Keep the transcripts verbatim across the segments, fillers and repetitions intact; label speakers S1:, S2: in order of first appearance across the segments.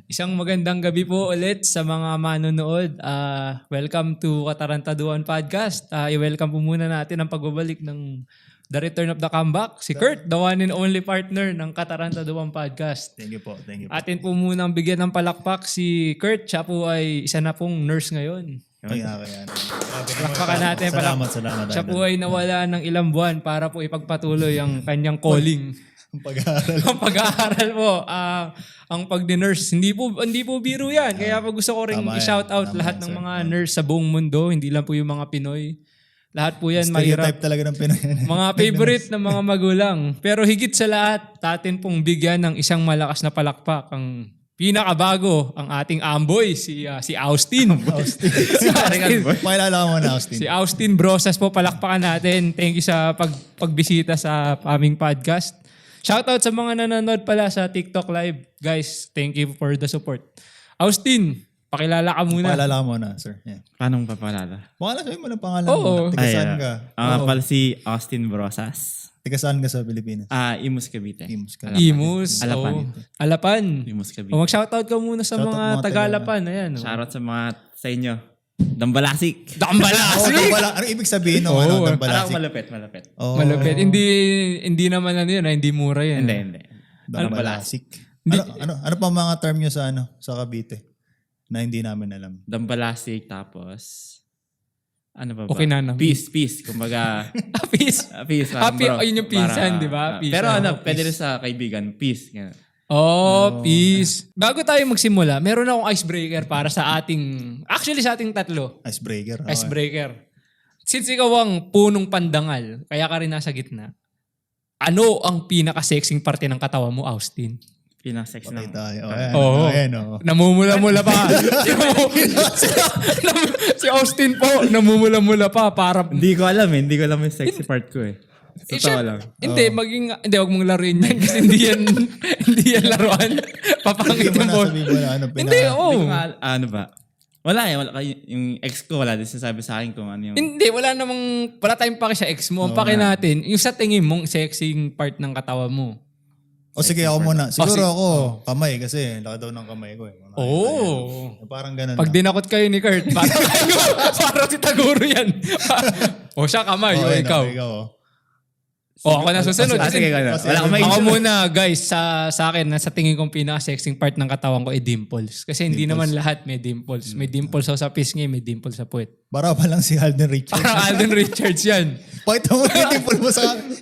S1: Isang magandang gabi po ulit sa mga manonood. Uh, welcome to Katarantaduhan Podcast. Uh, i-welcome po muna natin ang pagbabalik ng The Return of the Comeback. Si Kurt, the one and only partner ng Katarantaduhan Podcast.
S2: Thank you po, thank you po.
S1: Atin po munang bigyan ng palakpak si Kurt. Siya po ay isa na pong nurse ngayon.
S2: Kaya, kaya.
S1: Palakpakan natin.
S2: Salamat, salamat.
S1: Siya po ay nawala ng ilang buwan para po ipagpatuloy ang kanyang calling.
S2: Ang pag-aaral.
S1: Ang pag-aaral po, uh, ang pag-nurse. Hindi po hindi po biro 'yan. Kaya po gusto ko ring i-shout out lahat yan, ng mga sir. Nurse sa buong mundo, hindi lang po yung mga Pinoy. Lahat po 'yan mahirap.
S2: Stereotype talaga ng Pinoy.
S1: Mga favorite ng mga magulang. Pero higit sa lahat, atin pong bigyan ng isang malakas na palakpak ang pinakabago, ang ating amboy, si uh, si Austin.
S2: Austin.
S1: si Austin.
S2: Pakilala mo na, Austin.
S1: Si Austin Brosas po, palakpakan natin. Thank you sa pag pagbisita sa aming podcast. Shoutout sa mga nanonood pala sa TikTok Live. Guys, thank you for the support. Austin, pakilala ka muna.
S2: Pakilala ka muna, sir. Yeah.
S3: Paano papalala?
S2: Pakilala sabi mo lang pangalan
S1: Oo.
S2: mo. Tiga saan ka?
S3: Ang uh, pala si Austin Brosas.
S2: Tiga saan ka sa Pilipinas?
S3: Ah, uh, Imus Cavite.
S2: Imus ka.
S1: Imus.
S3: Alapan.
S1: Oh. Alapan.
S3: Imus Cavite.
S1: O mag-shoutout ka muna sa
S2: Shoutout
S1: mga
S2: mga
S1: taga-Alapan. Ayan. Oh.
S3: Shoutout sa mga sa inyo. Dambalasik.
S2: Oh,
S1: Dambalasik!
S2: dambala. Ano ibig sabihin ng
S1: Oo.
S2: ano,
S3: Parang
S2: dambalasik?
S3: malapit, malapit.
S2: Oh,
S1: Malupit. Hindi hindi naman ano yun. Hindi mura yan.
S3: Hindi, hindi.
S2: Dambalasik. Ano, ano, ano pa mga term nyo sa ano sa Cavite na hindi namin alam?
S3: Dambalasik, tapos ano ba ba?
S1: Okay na, no?
S3: Peace, peace. Kumbaga,
S1: Peace.
S3: uh, peace.
S1: Ah,
S3: parang
S1: pi-
S3: bro.
S1: oh, yun yung pinsan,
S3: Para-
S1: di ba?
S3: ah,
S1: Peace.
S3: pero
S1: Oh,
S3: ano,
S1: peace.
S3: pwede rin sa kaibigan. Peace. Ganun.
S1: Oh, peace. Bago tayo magsimula, meron akong icebreaker para sa ating, actually sa ating tatlo.
S2: Icebreaker. Okay.
S1: Icebreaker. Since ikaw ang punong pandangal, kaya ka rin nasa gitna, ano ang pinaka-sexing parte ng katawan mo, Austin?
S3: Pinaka-sex
S2: Okay
S3: ng...
S2: tayo. Oh, ayan,
S1: Oo.
S2: oh, ayan, oh.
S1: Namumula-mula pa. si, si Austin po, namumula-mula pa para...
S3: Hindi ko alam eh. Hindi ko alam yung sexy part ko eh.
S1: Eh,
S3: Totoo
S1: syem-
S3: lang.
S1: Hindi, maging... Hindi, huwag mong laruin yan kasi hindi yan, hindi yan laruan. Papangit
S2: Hindi mo
S1: yung ball.
S2: nasabi mo na ano.
S1: Hindi,
S2: pinaka-
S1: oo.
S3: Hindi ko nga, ano ba? Wala eh. Wala, yung ex ko, wala din sinasabi sa akin kung ano yung...
S1: Hindi, wala namang... Wala tayong paki sa ex mo. Ang paki natin, yung sa tingin mong sexing part ng katawan mo.
S2: O sige, ako muna. Siguro
S1: sige.
S2: ako, kamay kasi laki daw ng kamay ko eh.
S1: Oo.
S2: Ayan. Parang ganun
S1: Pag
S2: na.
S1: dinakot kayo ni Kurt, parang parang si Taguro yan. O siya kamay, o
S2: Okay, no,
S1: ikaw.
S2: ikaw oh.
S1: O ako na susunod.
S3: Ah, sige,
S1: Kasi-
S3: wala. Wala akong
S1: Ako
S3: maisip.
S1: muna guys, sa sa akin, sa tingin kong pinaka-sexing part ng katawan ko ay dimples. Kasi hindi naman lahat may dimples. May dimples ako sa pisngi, may dimples sa puwet.
S2: Para pa lang si Alden Richards.
S1: Parang Alden Richards yan.
S2: Pakita mo yung dimple mo sa akin.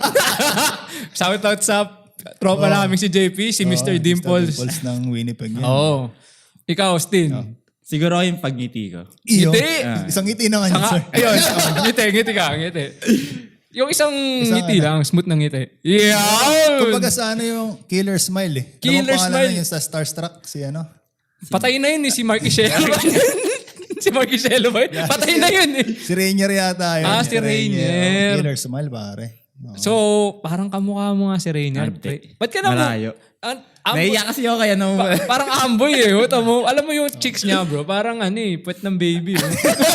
S1: Shout out sa tropa namin si J P, si mister
S2: Oh,
S1: Dimples.
S2: Dimples ng Winnipeg yan.
S1: Oo. Ikaw, Austin.
S3: Siguro yung pagngiti ko.
S2: Iyo.
S1: Ngiti.
S2: Isang ngiti na nga niya,
S1: Saka,
S2: sir.
S1: ayun, oh, ngiti, ngiti ka, ngiti. Yung isang, ngiti lang, smooth na ngiti. Yeah!
S2: Kumbaga sa ano yung killer smile eh.
S1: Killer
S2: Ano bang pangalan
S1: smile.
S2: na yung sa Starstruck? Si ano?
S1: Patay na yun eh, si Mark Ishelo. si Mark Ishelo ba? yun? Patay na yun eh.
S2: Si Rainier yata yun.
S1: Ah, si Rainier.
S2: Oh, killer smile pare. Oh.
S1: So, parang kamukha mo nga si Rainier.
S3: Ante.
S1: Ba't ka na mo?
S3: Malayo.
S1: An- ambo-
S3: Naiya kasi ako kaya nung...
S1: pa- parang amboy eh. Wata mo, alam mo yung chicks niya bro, parang ano eh, puwet ng baby. Oh.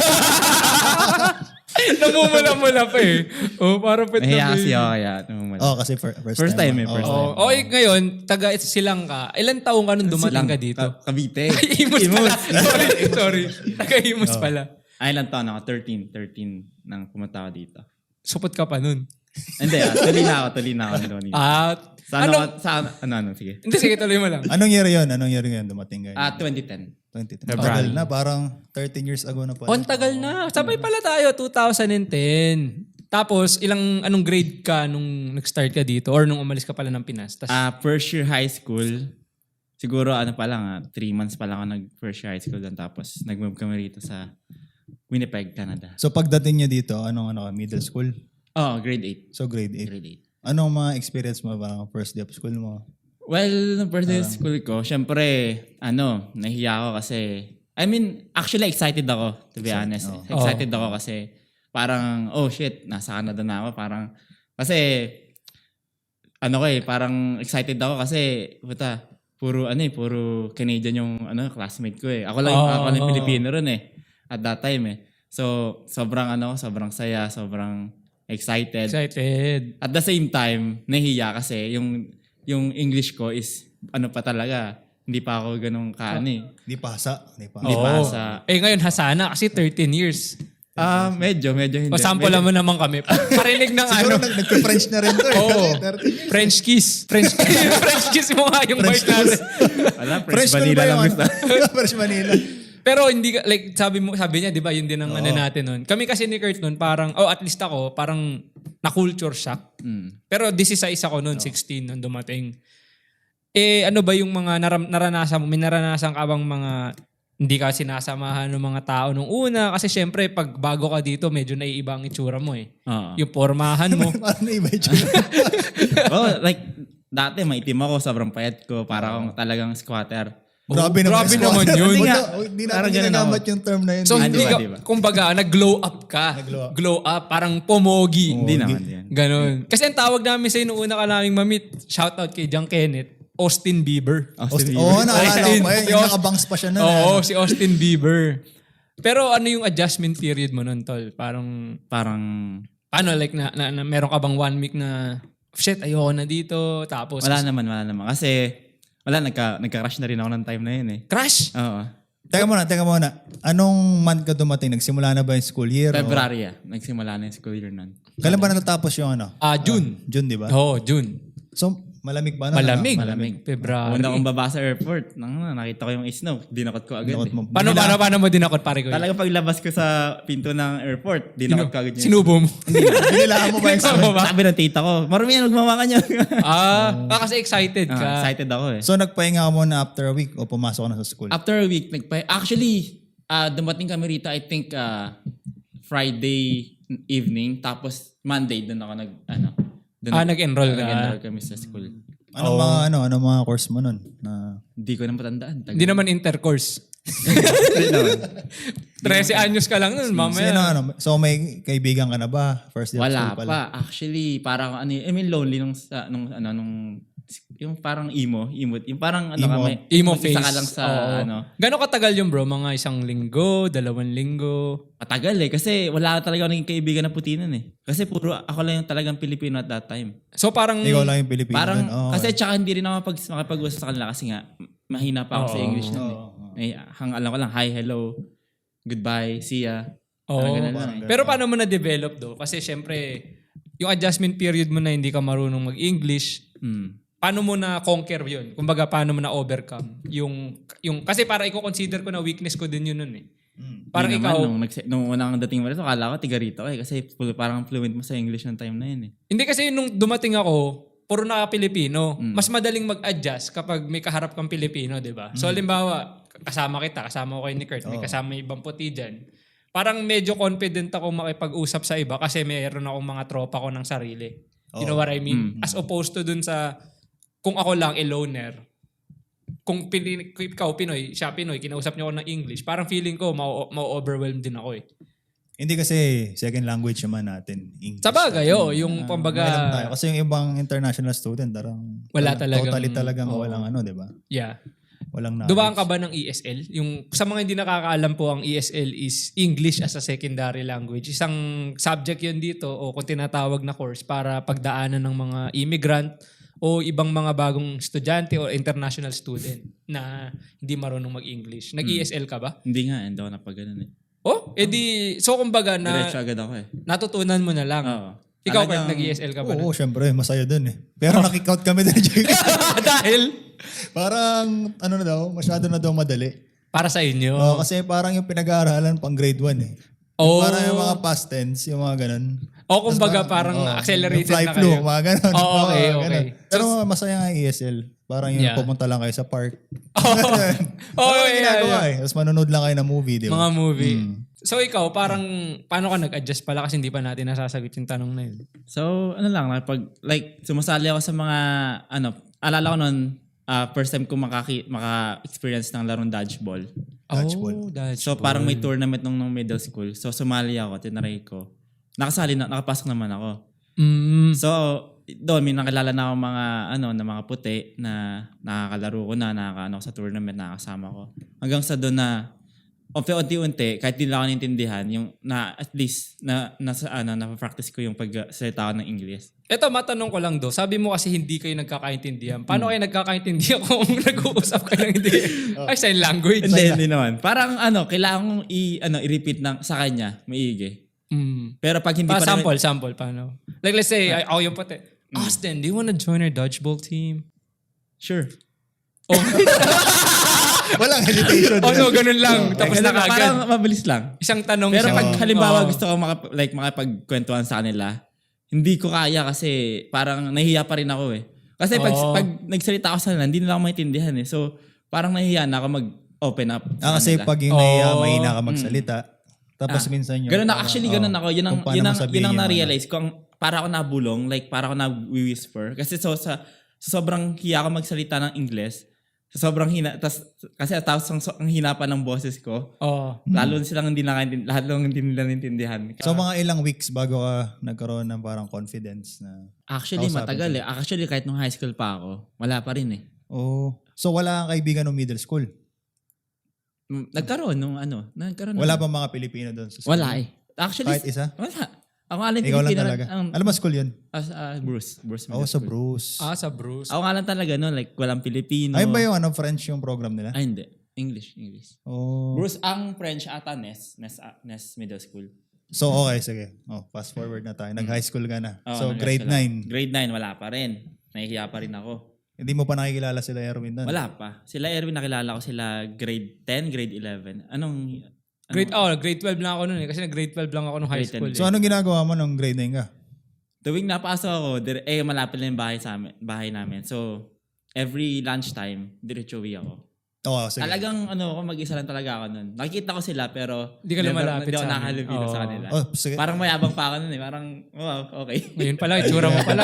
S1: Namumula-mula pa eh. Oh, parang puwet ng
S3: Nahiya
S1: baby.
S3: kasi ako kaya. nung wala.
S2: Oh, kasi fir- first,
S3: First time eh,
S2: Oh,
S3: first
S2: oh.
S3: time.
S1: Oh, okay, ngayon, taga silang ka. Ilan taong ka nung dumating ka dito?
S3: Ka- Cavite.
S1: Ay, Imus pala. sorry, sorry. Taga Imus pala.
S3: Ay, ilang taon ako? thirteen. thirteen nang pumunta ako dito.
S1: Supot ka pa nun.
S3: Hindi ah, tuloy na ako, tuloy na ako nung dito.
S1: Ah,
S3: Sa ano,
S1: ano?
S3: sa ano, ano, sige.
S1: Hindi, sige, tuloy mo lang.
S2: Anong year yun? Anong year yun dumating kayo?
S3: Ah, twenty ten.
S2: twenty ten.
S3: February.
S2: Tagal na, parang thirteen years ago na pala.
S1: On tagal na. Sabay pala tayo, two thousand ten. Tapos, ilang, anong grade ka nung nag-start ka dito? Or nung umalis ka pala ng Pinas? Tas,
S3: Ah, first year high school. Siguro ano pa lang ah, three months pa lang ako nag first year high school doon. Tapos nag-move kami rito sa Winnipeg, Canada.
S2: So pagdating niyo dito, anong ano, ka, middle school?
S3: Oh, grade eight.
S2: So grade eight.
S3: Grade eight.
S2: Anong mga experience mo parang first day of school mo?
S3: Well, nung first day of school ko, syempre, ano, nahiya ako kasi, I mean, actually excited ako, to be honest.
S2: oh.
S3: Excited ako kasi, parang, oh shit, nasa Canada na ako. Parang, kasi, ano ko eh, parang excited ako kasi, puta, puro, ano eh, puro Canadian yung, ano, classmate ko eh. Ako lang,
S1: Oh,
S3: ako lang
S1: oh.
S3: Pilipino rin eh, at that time eh. So, sobrang, ano, sobrang saya, sobrang excited.
S1: excited.
S3: At the same time, nahiya kasi yung yung English ko is ano pa talaga, hindi pa ako ganun kaano eh.
S2: Di pasa. Di pa.
S3: Hindi
S1: Oo.
S3: pa sa...
S1: Eh ngayon, Hasana kasi thirteen years.
S3: Ah, medyo, medyo hindi.
S1: O sample
S3: medyo,
S1: mo naman kami. Parinig ng
S2: Siguro
S1: ano.
S2: nag- nagka-French na rin to eh.
S1: Oo.
S2: Kasi thirty years.
S1: French kiss. French kiss. French kiss mo nga yung
S2: French
S1: bite natin.
S3: Wala, French,
S2: French school
S3: vanilla
S2: ba
S3: lang
S2: yung
S3: gusto.
S2: ano? French vanilla.
S1: Pero hindi ka, like sabi mo, sabi niya, di ba, yun din ang ano natin nun. Kami kasi ni Kurt nun, parang, oh at least ako, parang na-culture shock.
S3: Mm.
S1: Pero sixteen ako nun, sixteen nung dumating. Eh, ano ba yung mga naram, naranasan mo? May naranasan ka bang mga hindi ka sinasamahan ng mga tao nung una? Kasi syempre, pag bago ka dito, medyo naiiba ang itsura mo eh.
S3: Oo.
S1: Yung pormahan mo.
S2: Parang na iba yung tsura.
S3: oh, like, dati maitim ako, sobrang payat ko, para akong talagang squatter.
S2: Grabe
S1: Oh,
S2: naman.
S1: grabe
S2: yung
S1: naman
S2: squatter.
S1: yun.
S2: Hindi
S3: Nga.
S2: na- Hindi natin
S3: Parang ganun
S2: ginagamit
S3: ako.
S2: yung term na yun.
S1: So,
S3: Ah,
S1: hindi
S3: di ba,
S1: ka,
S3: di ba?
S1: kumbaga, nag-glow up ka.
S2: Nag-glow up.
S1: Glow up, parang pomogi.
S3: Hindi naman yan.
S1: Ganon. Kasi ang tawag namin sa'yo nung una ka naming mamit, shoutout kay John Kenneth, Austin Bieber.
S3: Austin
S2: Oo, oh, naalala ko
S1: Austin.
S2: pa yun.
S1: Si
S2: Yung
S1: Aus-
S2: nakabangs pa siya na.
S1: Oo, si Austin Bieber. Pero ano yung adjustment period mo nun, tol? Parang,
S3: Parang,
S1: paano, like, na, na, na meron ka bang one week na, shit, ayoko na dito, tapos,
S3: wala naman, wala naman. Kasi, wala, nagka, nagka-crush na rin ako ng time na yun eh.
S1: crash!
S3: Oo.
S2: Teka muna, teka muna. Anong month ka dumating? Nagsimula na ba yung school year? o-
S3: February ah. Nagsimula na yung school year nun.
S2: Kailan ba natatapos yung ano?
S1: Ah, June.
S2: June, di ba?
S1: Oo, June.
S2: So, malamig ba? na?
S1: Malamig.
S3: Malamig.
S1: February.
S3: Una akong baba sa airport, nang, nakita ko yung snow. Dinakot ko agad
S2: Dinakot
S3: eh.
S2: mo.
S1: Paano, paano, paano mo dinakot, pare ko?
S3: Talaga paglabas ko sa pinto ng airport, dinakot ko agad yun.
S1: Sinubo mo.
S2: Binilaan mo ba yung
S1: Sinubo mo ba?
S3: Sabi ng tita ko, marami yan, magmamakan niya.
S1: Ah, ah, kasi excited ka.
S3: Ah, excited ako eh.
S2: So, nagpahinga ka muna after a week o pumasok ka na sa school?
S3: After a week, nagpa- actually, ah, dumating kami rito, I think, ah, Friday evening, tapos Monday, doon ako nag, ano, doon
S1: Ah, nag-enroll ka.
S3: nag-enroll kami sa school.
S2: Anong mga ano, anong mga course mo nun? Na
S3: Hindi ko na matandaan. Tagal.
S1: Hindi naman intercourse.
S3: Hindi naman.
S1: thirteen anyos ka lang nun, mamaya.
S2: Sino, ano, so may kaibigan ka na ba? First day of
S3: Wala
S2: school pala.
S3: pa. Actually, parang ano, I mean lonely nung sa nung ano nung yung parang emo, emo, yung parang ano
S2: Emo.
S3: ka may
S1: Emo
S3: mag-isa
S1: face.
S3: ka lang sa
S1: Oo.
S3: ano.
S1: Gano'ng katagal yun bro? Mga isang linggo, dalawang linggo?
S3: Matagal eh kasi wala talaga ako naging kaibigan na puti nun eh. Kasi puro ako lang yung talagang Pilipino at that time.
S1: So parang...
S2: Ikaw lang yung Pilipino.
S3: Parang
S2: dun. Oo,
S3: kasi
S2: okay.
S3: tsaka hindi rin ako makapag, makapag-usap sa kanila kasi nga mahina pa ako sa
S1: Oo.
S3: English nun eh.
S2: Oo, oo.
S3: Eh, hang alam ko lang, hi, hello, goodbye, see ya.
S1: Oo.
S3: Parang ganun lang eh.
S1: Pero paano mo na-develop do? Kasi syempre, yung adjustment period mo na hindi ka marunong mag-English,
S3: Hmm.
S1: paano mo na conquer yun? Kumbaga, paano mo na overcome? Yung, yung, kasi para i-consider ko na weakness ko din yun nun eh.
S2: Mm.
S1: Parang
S3: Hindi
S1: ikaw,
S3: naman, nung, nagse- nung unang dating mo rito, akala ko tiga rito eh. Kasi full- parang fluent mo sa English ng time na yun eh.
S1: hindi kasi nung dumating ako, puro naka-Pilipino.
S3: Mm.
S1: Mas madaling mag-adjust kapag may kaharap kang Pilipino, di ba? So, halimbawa, kasama kita, kasama ko kay ni Kurt, may
S2: Oo.
S1: kasama yung ibang puti dyan. Parang medyo confident ako makipag-usap sa iba kasi mayroon akong mga tropa ko ng sarili. You know
S2: Oo.
S1: what I mean?
S3: Mm.
S1: As opposed to dun sa, kung ako lang, a loner, kung pin, ikaw Pinoy, siya Pinoy, kinausap niyo ako ng English, parang feeling ko, ma-overwhelm din ako eh.
S2: Hindi kasi second language naman natin. English.
S1: Sa bagay, oh, yung
S2: Ah,
S1: pambaga,
S2: may alam tayo. Kasi yung ibang international student, parang
S1: Wala
S2: tal-
S1: talagang-
S2: Totally talagang
S1: oo.
S2: walang ano, di ba?
S1: yeah.
S2: Walang knowledge.
S1: Dumaan ka ba ng E S L? Yung, sa mga hindi nakakaalam po, ang E S L is English as a secondary language. Isang subject yun dito o kung tinatawag na course para pagdaanan ng mga immigrant o ibang mga bagong estudyante o international student na hindi marunong mag-English. Nag-E S L ka ba?
S3: Hindi nga, hindi ako napag ganun eh.
S1: Oh, edi, so kumbaga na
S3: Diretso agad ako eh.
S1: natutunan mo na lang.
S3: Oo.
S1: Ikaw,
S3: Talagang-
S1: Kurt, nag-E S L ka ba?
S2: Oo, syempre, masaya dun eh. Pero nakikout kami din.
S1: Dahil
S2: Parang, ano na daw, masyado na daw madali.
S1: para sa inyo.
S2: Oo, kasi parang yung pinag-aaralan pang grade one eh.
S1: Oh.
S2: Parang yung mga past tense, yung mga ganun.
S1: O kumbaga parang
S2: Oo,
S1: accelerated
S2: yung fly
S1: na
S2: flu,
S1: kayo.
S2: mga ganun.
S1: Oh, okay,
S2: Oo,
S1: okay.
S2: ganun. Pero masaya nga E S L. Parang yung
S1: Yeah.
S2: pumunta lang kayo sa park.
S1: Oh,
S2: Parang
S1: yeah,
S2: ginagawa
S1: yeah.
S2: eh. Tapos manonood lang kayo ng movie, di ba?
S1: Mga movie.
S2: Mm.
S1: So ikaw, parang paano ka nag-adjust pala kasi hindi pa natin nasasagot yung tanong na yun.
S3: So, ano lang, pag, like, sumasali ako sa mga, ano, alala ko nun, ah, first time ko makaki, maka-experience ng larong dodgeball.
S2: Dodgeball.
S1: Oh, dodgeball.
S3: So, parang may tournament nung, nung middle school. So, sumali ako, tinaray ko. Nakasali na, nakapasok naman ako.
S1: Mm.
S3: So, doon, may nakilala na ako mga, ano, na mga puti na nakakalaro ko na, nakakaano ko sa tournament, nakakasama ko. Hanggang sa doon na, unti-unti, kahit di lang ako naintindihan, yung na at least na nasa ano, na-practice ko yung pagsalita ko ng English.
S1: Ito, matanong ko lang do. Sabi mo kasi hindi kayo nagkakaintindihan. Paano kayo nagkakaintindihan kung nag-uusap kayo ng hindi? Ay, sign language.
S3: Hindi, hindi naman. Parang ano, kailangan kong i, ano, i-repeat ng, sa kanya, maigi.
S1: Mm.
S3: Pero pag hindi
S1: Pa,
S3: pa
S1: sample, sample. Paano? Like, let's say, ay, ako yung pati. Austin, do you wanna join our dodgeball team?
S3: Sure.
S1: Oh,
S2: Walang hesitation.
S1: oh no, ganun lang. Tapos
S3: Kasi
S1: na kagad.
S3: parang mabilis lang.
S1: Isang tanong,
S3: Pero
S1: isang...
S3: pag halimbawa
S1: Oo.
S3: gusto ko makap- like, makapagkwentuhan sa kanila, hindi ko kaya kasi parang nahihiya pa rin ako eh. Kasi pag,
S1: Oo.
S3: pag nagsalita ako sa kanila, hindi nila ako maintindihan eh. So, parang nahihiya na ako mag-open up
S2: Ah,
S3: sa
S2: kasi
S3: kanila.
S2: pag yung nahiya,
S1: Oo.
S2: mahina ka magsalita. Tapos
S3: Ah,
S2: minsan yung...
S3: Ganun na,
S2: parang,
S3: actually
S2: oh,
S3: ganun ako. Yun ang,
S2: kung paano
S3: yun ang,
S2: mo sabihin
S3: yun ang
S2: yung ano.
S3: na-realize ko. Ang, para ako nabulong, like para ako na-whisper. Kasi so, sa, sa sobrang hiya ako magsalita ng English, sa sobrang hina, tas, kasi tapos ang, ang hina pa ng boses ko,
S1: Oh.
S3: lalo silang hindi nakaintindihan, lahat lang hindi nila naintindihan.
S2: So mga ilang weeks bago ka nagkaroon ng parang confidence na...
S3: Actually,
S2: Kausapin
S3: matagal eh. Actually, kahit nung high school pa ako, wala pa rin eh.
S2: Oh. So wala kang kaibigan ng middle school?
S3: Mm, Nagkaroon nung ano, nagkaroon.
S2: Wala
S3: nung-
S2: ba mga Pilipino doon sa school?
S3: Wala eh. Actually,
S2: Kahit isa?
S3: wala. Ako nga lang
S2: Ikaw lang
S3: Pilipino
S2: talaga.
S3: Ang,
S2: Alam mo school yun?
S3: as, ah, Bruce. Bruce.
S2: Oo,
S3: Middle
S2: sa
S3: School.
S2: Bruce.
S1: Ah, sa Bruce.
S3: Ako nga lang talaga no, like walang Pilipino.
S2: Ay ba yung ano, French yung program nila?
S3: Ay, hindi. English, English.
S2: Oh.
S3: Bruce, ang French ata, Nes. Nes, ah, Nes Middle School.
S2: So okay, sige. Oh, fast forward na tayo. Nag-high school ka na.
S3: Oo,
S2: so
S3: nag-high
S2: grade
S3: school ako.
S2: nine.
S3: Grade nine, wala pa rin. Nahihiya pa rin ako.
S2: Hindi mo pa nakikilala sila Erwin doon?
S3: Wala pa. Sila Erwin, nakilala ko sila grade ten, grade eleven. Anong... anong
S1: Grade, oh, grade twelve lang ako noon eh. Kasi grade twelve lang ako nung high
S3: Grade ten.
S1: school.
S2: So
S1: Eh.
S2: anong ginagawa mo nung grade nine ka?
S3: Tuwing napasok ako, dire, eh malapit lang yung bahay, sa amin, bahay namin. So, every lunchtime, diretso uwi ako.
S2: Oo, sige.
S3: Talagang ano, ako mag-isa lang talaga ako nun. Nakikita ko sila pero
S1: Di ka
S3: never-
S1: lumalapit
S3: Hindi ako
S1: sa amin.
S3: nakahalubilo
S1: Oo.
S3: sa kanila.
S2: Oh, sige.
S3: Parang mayabang pa ako nun eh. Parang, wow, okay.
S1: Ngayon pala, itsura mo pa lang.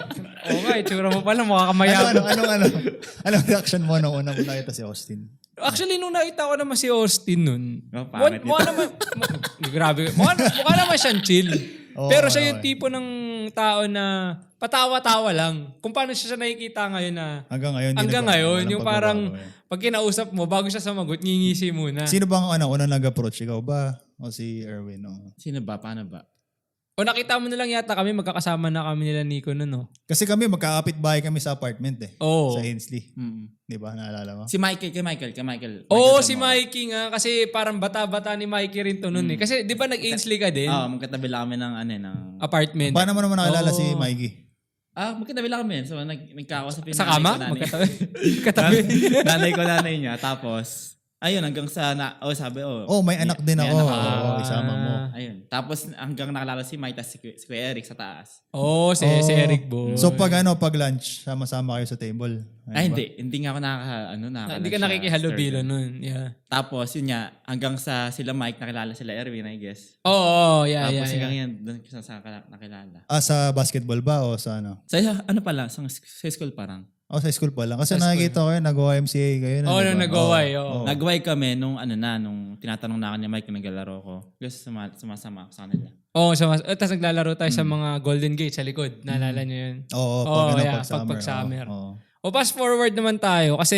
S1: Oo nga, itsura mo pa lang. Mukha ka
S2: ano,
S1: mayabang.
S2: ano, ano, ano, anong reaction mo nung unang nakita si Austin?
S1: Actually, nung nakita ko naman si Austin nun,
S3: Oh,
S1: mukha,
S3: pangit
S1: mukha naman, mu- grabe, mukha, mukha naman siyang chill.
S2: Oo,
S1: Pero siya
S2: okay,
S1: yung
S2: okay.
S1: tipo ng tao na patawa-tawa lang. Kung paano siya siya nakikita ngayon na,
S2: Hanggang ngayon. hindi
S1: hanggang
S2: nagbago,
S1: ngayon,
S2: walang
S1: yung parang,
S2: pagbabago, eh.
S1: pag kinausap mo, bago siya sumagot, ngingisi muna.
S2: Sino bang ano, unang nag-approach? Ikaw ba? O si Erwin? O?
S3: Sino ba? Paano ba?
S1: O nakita mo na lang yata kami, magkakasama na kami nila Nico nun, no?
S2: Kasi kami, magkakapit bahay kami sa apartment eh.
S1: Oo.
S2: Sa Ainsley.
S3: Mm.
S2: Di ba? Naalala mo?
S3: Si Michael, kay Michael, kay Michael.
S1: Oo,
S3: Michael
S1: si
S3: Zamora.
S1: Mikey nga. Kasi parang bata-bata ni Mikey rin to nun eh. Kasi di ba nag-Ainsley ka din?
S3: Oo, magkatabi lang kami ng ano, eh, ng...
S1: Apartment.
S2: Paano mo naman nakilala
S1: Oo.
S2: si Mikey?
S3: Ah, magkatabi lang kami. So, nag, nagkakausap yung
S1: Sa
S3: nanay
S1: kama?
S3: ko, nanay.
S1: Magkatabi. Katabi.
S3: nanay ko, nanay niya. Tapos, ayun, hanggang sa, na, oh, sabi, oh.
S2: Oh, may anak din
S3: may
S2: ako.
S3: anak
S2: Oo,
S1: Ah.
S2: isama mo.
S3: Ayun. Tapos, hanggang nakalala si Mike, tas si, Kuya- si Kuya Eric sa taas.
S1: Oo, si, si
S2: Oh.
S1: Eric Boy.
S2: So pag ano, pag lunch, sama-sama kayo sa table. Ano
S3: Ay,
S2: ba?
S3: hindi. Hindi nga ako nakaka, ano, nakaka.
S1: Hindi ka nakikihalubilo nun. Yeah.
S3: Tapos, yun nga, hanggang sa sila Mike, nakilala sila Erwin, I guess.
S1: Oo, oh, yeah,
S3: Tapos,
S1: yeah,
S3: hanggang
S1: yeah.
S3: yan, doon ko sa, sa nakilala.
S2: Ah, sa basketball ba o sa ano?
S3: Sa, ano pala, sa, sa school parang.
S2: O sa school pa lang. Kasi
S1: Sa
S2: nakikita ko yun, nag-O M C A kayo. na,
S1: Oo,
S2: di ba?
S1: nung nag-O-Y, oo.
S2: Oo.
S3: Nagway kami nung ano na, nung tinatanong na ako ni Mike kung naglalaro ko. Gusto suma, sumasama ako sa kanila.
S1: Oo, so, eh, tapos naglalaro tayo sa mga Golden Gate sa likod. Naalala niyo yun?
S2: Oo, pag
S1: Oo,
S2: ano,
S1: yeah,
S2: pag
S1: pag-
S2: summer.
S1: pag summer.
S2: Oo, oo.
S1: O fast forward naman tayo kasi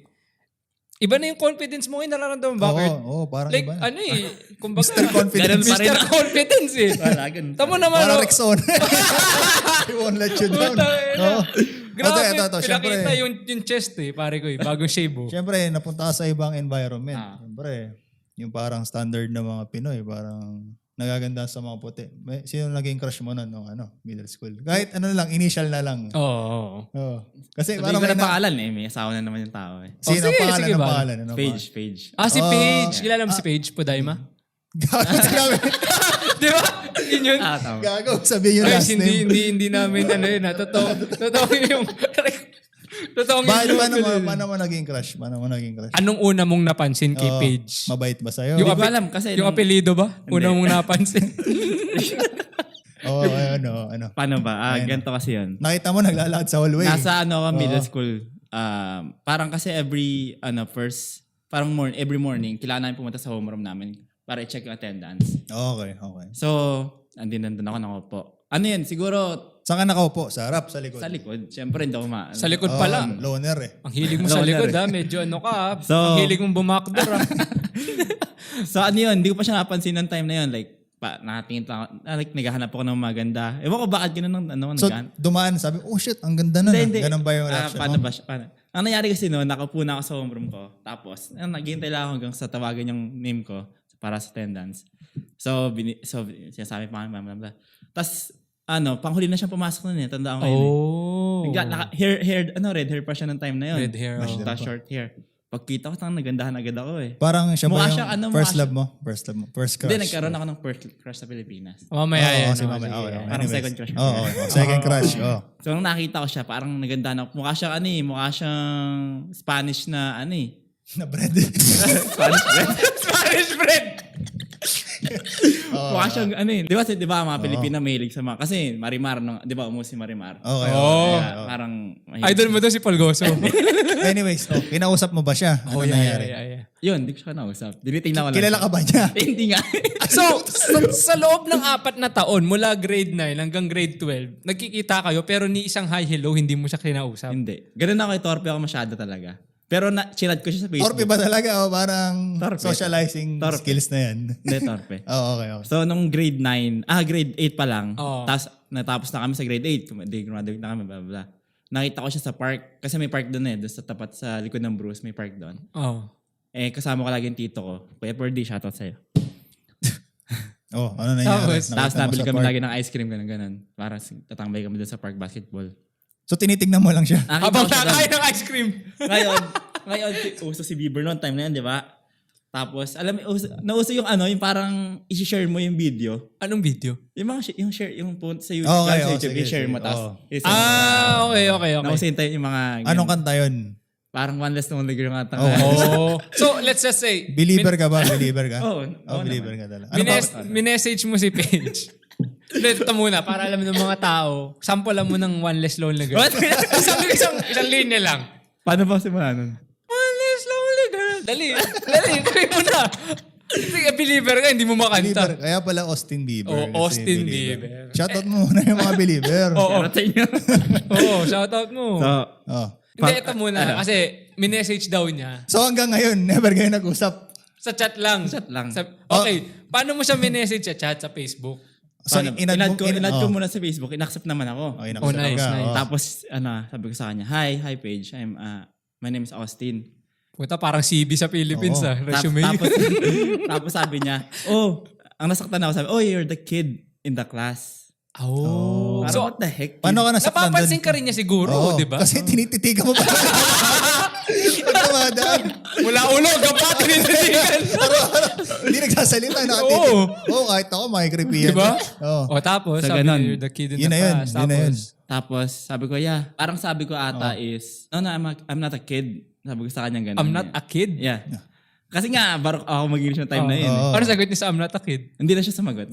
S1: iba na yung confidence mo ngayon, nararamdaman mo ba, Kurt?
S2: Oo, oo, parang
S1: Like,
S2: iba.
S1: ano eh, kumbaga,
S2: Mister Confidence.
S3: Ganun pa rin.
S1: Mister Confidence eh.
S3: Wala, ganun.
S1: Tamo naman,
S2: Parang
S1: oh.
S2: Rexon. He won't let you down.
S1: Puta, ina.
S2: Oo.
S1: Grabe,
S2: Ito, ito, ito. Siyempre,
S1: pinakita yung, yung chest eh, pare ko eh, bagong shave oh.
S2: siyempre, napunta ka sa ibang environment.
S3: Ah.
S2: Siyempre, yung parang standard ng mga Pinoy, parang nagaganda sa mga puti. May, sino naging crush mo nun nung ano, middle school? Kahit ano lang, initial na lang.
S1: Oo. Oh,
S2: Oo. Kasi
S3: Sabi
S2: parang
S3: ko
S2: may
S3: na
S2: na...
S3: pangalan eh. May asawa na naman yung tao eh.
S2: Sino
S1: Oh, sige,
S2: pangalan
S1: sige
S2: ng
S1: ba?
S2: pangalan? Ano
S3: Page, page.
S1: Ah, si
S2: Oh.
S1: Paige. Kilala mo si Paige Pudaima?
S2: Gago, sinabi.
S1: Di ba? Yun yun.
S3: Ah, tama.
S2: Gago, sabihin yung
S1: Guys,
S2: last
S1: hindi,
S2: name.
S1: hindi, hindi namin ano yun ha. Totoo, totoo yung... Totoo yung...
S2: Bakit, paano mo, paano mo naging crush? Paano mo naging crush?
S1: Anong una mong napansin kay
S2: Oo,
S1: Paige?
S2: Mabait ba sa'yo?
S1: Yung,
S3: Hindi ko
S1: ape-
S3: alam kasi
S1: yung
S3: nung-
S1: apelido ba? Una mong napansin?
S2: Oo, oh, ano, ano.
S3: Paano ba? Ah, ganito kasi yun.
S2: Nakita mo, naglalakad sa hallway.
S3: Nasa ano ako, middle
S2: Oo.
S3: school. Um, parang kasi every, ano, first, parang morning, every morning, kailangan namin pumunta sa homeroom namin para i-check yung attendance.
S2: Okay, okay.
S3: So, andin nandun ako nakaupo. Ano yun? Siguro,
S2: Saan ka nakaupo? Sa harap, sa likod?
S3: sa likod. Siyempre, hindi ako ma...
S1: Sa likod
S2: Oo,
S1: pala.
S2: loner eh.
S1: Ang hilig mo sa
S3: Loner
S1: likod
S3: eh.
S1: ha. Medyo ano ka ha.
S3: So-
S1: Ang hilig mong bumakdor ha.
S3: So ano yun, hindi ko pa siya napansin ng time na yun. Like, pa, nakatingin lang ako, ah, like, naghahanap ako ng maganda. Ewan ko bakit ganun ng ano,
S2: So,
S3: naghahanap.
S2: dumaan, sabi, oh shit, ang ganda na.
S3: Hindi, hindi.
S2: Ganun ba yung
S3: Ah,
S2: reaction
S3: paano
S2: mo?
S3: ba siya? Paano? Ang nangyari kasi noon, nakaupo na ako sa homeroom ko. Tapos, ah, naghihintay lang ako hanggang sa tawagan yung name ko para sa attendance. So, bini, so sinasabi pa kami, blah, blah, blah. Tapos, ano, panghuli na siyang pumasok nun eh. Tanda ko ngayon eh.
S1: Oh.
S3: Nagla, naka, hair, hair, ano, red hair pa siya ng time na yun.
S1: Red hair,
S3: Mas
S1: oh.
S3: ta- short hair. Pagkita ko, tang nagandahan agad ako eh.
S2: Parang siya
S3: Mukha
S2: ba yung
S3: siyang ano,
S2: first
S3: mukha
S2: love mo? First love mo? First crush?
S3: Hindi, nagkaroon ako ng first crush sa Pilipinas.
S1: Mamaya
S2: Oo,
S1: yan.
S2: si
S1: oh,
S2: Mama.
S1: sige.
S2: Okay, okay.
S3: Parang
S2: Anyways.
S3: second crush.
S2: Oo, oo, oo. Second crush. Oh.
S3: So, nung nakita ko siya, parang nagandahan ako. Mukha siyang ano eh, mukha siyang Spanish na ano eh.
S2: Na bread.
S3: Spanish bread.
S1: Spanish bread!
S2: Oo.
S3: Mukha siyang ano eh. Di ba, di ba mga Pilipina mahilig sa mga, kasi Marimar, nung, di ba, umus si Marimar.
S2: Okay.
S1: Oo.
S2: okay,
S3: Kaya
S2: oo.
S3: parang, mahilig.
S1: Idol mo daw si Polgoso.
S2: Anyways, oh, kinausap mo ba siya? Ano
S1: Oh, yeah,
S2: nangyari?
S1: yeah, yeah, yeah.
S3: Yun, di ko siya nausap. Dinitingnan ko lang.
S2: Kilala
S3: siya.
S2: ka ba niya?
S3: Eh, hindi nga.
S1: So, sa, sa loob ng apat na taon, mula grade nine hanggang grade twelve, nagkikita kayo pero ni isang hi hello, hindi mo siya kinausap.
S3: Hindi. Ganun ako, torpe ako masyado talaga. Pero na, chinad ko siya sa Facebook.
S2: Torpe ba talaga o parang
S3: Torpe.
S2: socializing
S3: Torpe.
S2: skills na yan?
S3: Hindi, torpe.
S2: Oo, okay, okay.
S3: So, nung grade nine, ah, grade eight pa lang.
S1: Oo.
S3: Tapos, natapos na kami sa grade eight. Di, graduate na kami, blah, blah, blah. Nakita ko siya sa park. Kasi may park doon eh. Doon sa tapat sa likod ng Bruce, may park doon.
S1: Oh.
S3: Eh, kasama ko lagi yung tito ko. Kuya Perdi, shoutout sa'yo.
S2: Oh, ano nangyari?
S1: Tapos,
S2: Nakita
S3: Tapos
S2: mo
S3: nabili
S2: sa
S3: kami
S2: park.
S3: lagi ng ice cream, ganun, ganun. Para si- tatambay kami doon sa park basketball.
S2: So, tinitignan mo lang siya.
S3: Nakita
S1: Habang
S3: ko siya doon.
S1: nakain ng ice cream.
S3: Ngayon, ngayon, si- uso si Bieber noon, time na yan, di ba? Tapos, alam mo, uso, nauso yung ano, yung parang i-share mo yung video.
S1: Anong video?
S3: Yung mga, shi- yung share, yung phone sa YouTube,
S2: Okay,
S3: sa
S2: oh,
S3: YouTube,
S2: sige,
S3: i-share
S2: sige,
S3: mo, tapos,
S2: oh.
S3: isend mo.
S1: Ah, okay, okay, okay.
S3: Nauso yung, yung mga,
S2: Anong
S3: ganun.
S2: kanta yun?
S3: Parang one less lonely girl nga tanga.
S1: Oh. So, let's just say,
S2: Believer ka ba? Believer ka?
S3: Oo,
S2: Oh,
S3: oo
S2: believer
S3: naman.
S2: ka talaga. Ano
S1: Mines-
S2: ba?
S1: minessage mo si Paige. Hindi, ito muna, para alam ng mga tao, sample mo ng one less lonely girl.
S3: What?
S1: isang, isang, isang linya lang.
S3: Paano ba simula nun?
S1: One less lonely girl. Dali, dali, try mo na. Sige, believer ka, hindi mo
S2: Believer.
S1: makanta.
S2: Kaya pala Austin Bieber.
S1: Oh,
S2: kasi
S1: Austin Bieber.
S2: Shoutout mo muna yung mga believer.
S1: Oo,
S3: Shoutout sa inyo.
S1: oo, shoutout mo.
S3: So,
S2: Oh.
S1: Hindi, ito muna, kasi minessage daw niya.
S2: So hanggang ngayon, never kayo nag-usap.
S1: Sa chat lang.
S3: Chat lang.
S1: Sa- okay, paano mo siya minessage sa chat sa Facebook?
S2: So,
S3: paano?
S2: inad,
S3: inad
S2: mo-
S3: ko,
S2: in-
S3: inad ko
S2: oh.
S3: muna sa Facebook, inaccept naman ako.
S2: Okay,
S1: Oh, nice,
S2: ka.
S1: nice.
S2: Oh.
S3: Tapos, ano, sabi ko sa kanya, hi, hi Paige, I'm, uh, my name is Austin.
S1: Puta, parang C V sa Philippines
S2: Oo.
S1: ah,
S3: Tap-
S1: resume.
S3: tapos, tapos sabi niya, oh, ang nasaktan ako, sabi, oh, you're the kid in the class.
S1: Oh.
S3: Parang,
S1: So,
S3: what the heck?
S2: Paano ka nasaktan
S1: napapansin
S2: doon?
S1: ka rin niya siguro,
S2: Oo,
S1: di ba?
S2: Kasi tinititigan mo pa. Pag dumadaan,
S1: Mula ulo, gapa, tinititigan.
S2: hindi nagsasalita.
S1: Oo.
S2: Nakatitig. Oo, kahit ako, makikripi yan.
S1: Di ba?
S2: Oo.
S1: O tapos,
S3: So,
S1: sabi
S3: ganun.
S1: niya, you're the kid in
S2: Yun
S1: the
S2: na yun,
S1: class.
S2: yun na yun.
S1: Tapos,
S3: Tapos, sabi ko, yeah. Parang sabi ko ata is, no, no, I'm, a, I'm not a kid. Sabi ko sa kanya ganun.
S1: I'm not a kid?
S3: Yeah. Kasi nga, barok ako mag-English ng time na yun. eh.
S2: Oo.
S1: Ano sagot niya sa I'm not a kid?
S3: Hindi na siya sumagot.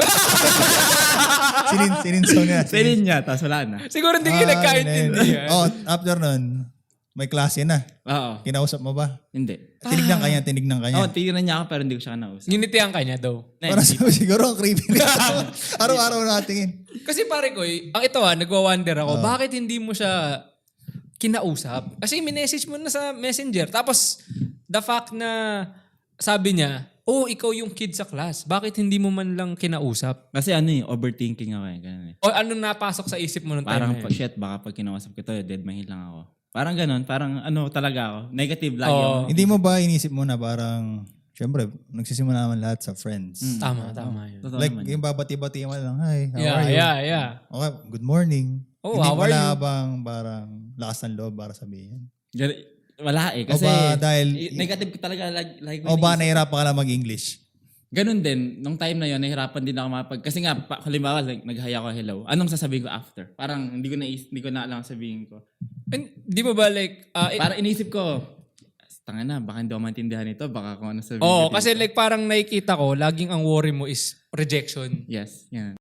S2: Sinin, sininso niya.
S3: Selin niya, tapos wala na.
S1: Siguro hindi kayo nagkaintindihan.
S2: Oh, after nun, may klase na.
S3: Oo.
S2: Kinausap mo ba?
S3: Hindi.
S2: Tinignan ka niya, tinignan ka niya.
S3: Oo, tignan niya ako pero hindi ko siya kanausap.
S1: Ginitihan ka niya daw.
S3: Na,
S2: Para
S3: hindi.
S2: sabi siguro, ang creepy nito. Araw-araw nakatingin.
S1: Kasi pare ko, eh, ang ito ah, nagwa-wonder ako, bakit hindi mo siya kinausap? Kasi minessage mo na sa messenger. Tapos, the fact na sabi niya, oh, ikaw yung kid sa class. Bakit hindi mo man lang kinausap?
S3: Kasi ano eh, overthinking ako eh. Ganun eh.
S1: O anong napasok sa isip mo nung time
S3: Parang,
S1: na
S3: pa,
S1: yun?
S3: shit, baka pag kinausap ko to, dead mahil lang ako. Parang ganun, parang ano talaga ako. Negative lagi
S1: Oo.
S3: ako.
S2: Hindi mo ba inisip mo na parang, syempre, nagsisimula naman lahat sa friends.
S1: Tama, tama yun.
S3: Totoo
S2: Like,
S3: naman.
S2: yung babati-bati mo lang, hi, how
S1: Yeah,
S2: are you?
S1: yeah, yeah.
S2: Okay, good morning.
S1: Oh,
S2: Hindi
S1: how are
S2: wala
S1: you?
S2: bang parang lakas ng loob para sabihin?
S3: Gan- Wala eh. Kasi
S2: O ba dahil-
S3: i- negative ko talaga. Like, like
S2: O ba nahirapan ka lang mag-English?
S3: Ganun din. Nung time na yun, nahirapan din ako mapag... Kasi nga, pa, halimbawa, like, nag-hi ako, hello. Anong sasabihin ko after? Parang hindi ko na, hindi ko na alam ang sabihin ko.
S1: And, di mo ba like, ah, eh,
S3: Parang inisip ko, tanga na, baka hindi ako maintindihan ito. Baka kung ano sabihin
S1: Oo,
S3: ko
S1: kasi
S3: dito."
S1: like parang nakikita ko, laging ang worry mo is rejection.
S3: Yes, yan.